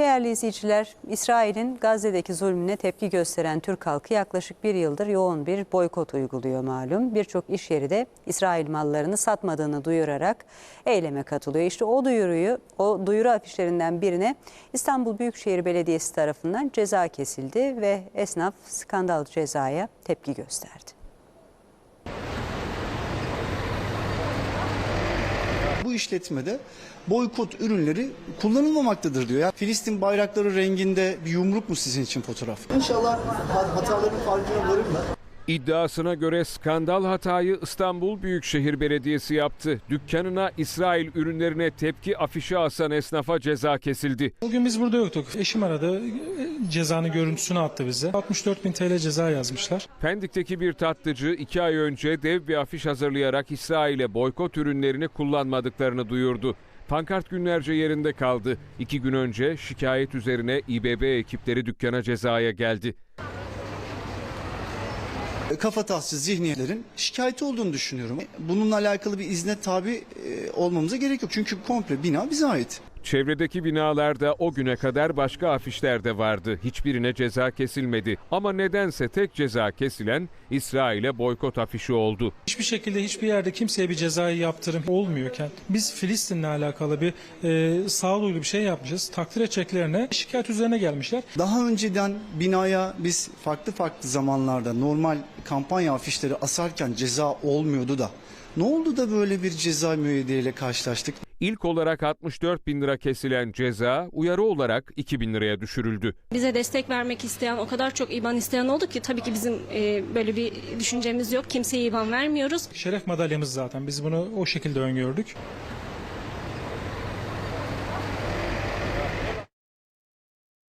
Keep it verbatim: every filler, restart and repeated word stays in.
Değerli izleyiciler, İsrail'in Gazze'deki zulmüne tepki gösteren Türk halkı yaklaşık bir yıldır yoğun bir boykot uyguluyor malum. Birçok iş yeri de İsrail mallarını satmadığını duyurarak eyleme katılıyor. İşte o duyuruyu, o duyuru afişlerinden birine İstanbul Büyükşehir Belediyesi tarafından ceza kesildi ve esnaf skandal cezaya tepki gösterdi. Bu işletmede boykot ürünleri kullanılmamaktadır diyor. Ya Filistin bayrakları renginde bir yumruk mu sizin için fotoğraf? İnşallah hataların farkına varırlar. İddiasına göre skandal hatayı İstanbul Büyükşehir Belediyesi yaptı. Dükkanına İsrail ürünlerine tepki afişi asan esnafa ceza kesildi. Bugün biz burada yoktuk. Eşim aradı, cezanın görüntüsünü attı bize. altmış dört bin T L ceza yazmışlar. Pendik'teki bir tatlıcı iki ay önce dev bir afiş hazırlayarak İsrail'e boykot ürünlerini kullanmadıklarını duyurdu. Pankart günlerce yerinde kaldı. İki gün önce şikayet üzerine İBB ekipleri dükkana cezaya geldi. Kafatasçı zihniyetlerin şikayeti olduğunu düşünüyorum. Bununla alakalı bir izne tabi olmamıza gerek yok. Çünkü komple bina bize ait. Çevredeki binalarda o güne kadar başka afişler de vardı. Hiçbirine ceza kesilmedi. Ama nedense tek ceza kesilen İsrail'e boykot afişi oldu. Hiçbir şekilde hiçbir yerde kimseye bir cezai yaptırım olmuyorken biz Filistin'le alakalı bir e, sağduyulu bir şey yapmışız. Takdir edeceklerine şikayet üzerine gelmişler. Daha önceden binaya biz farklı farklı zamanlarda normal kampanya afişleri asarken ceza olmuyordu da. Ne oldu da böyle bir ceza müeyyideyle karşılaştık? İlk olarak altmış dört bin lira kesilen ceza uyarı olarak iki bin liraya düşürüldü. Bize destek vermek isteyen o kadar çok İBAN isteyen oldu ki tabii ki bizim e, böyle bir düşüncemiz yok. Kimseye İBAN vermiyoruz. Şeref madalyamız zaten. Biz bunu o şekilde öngördük.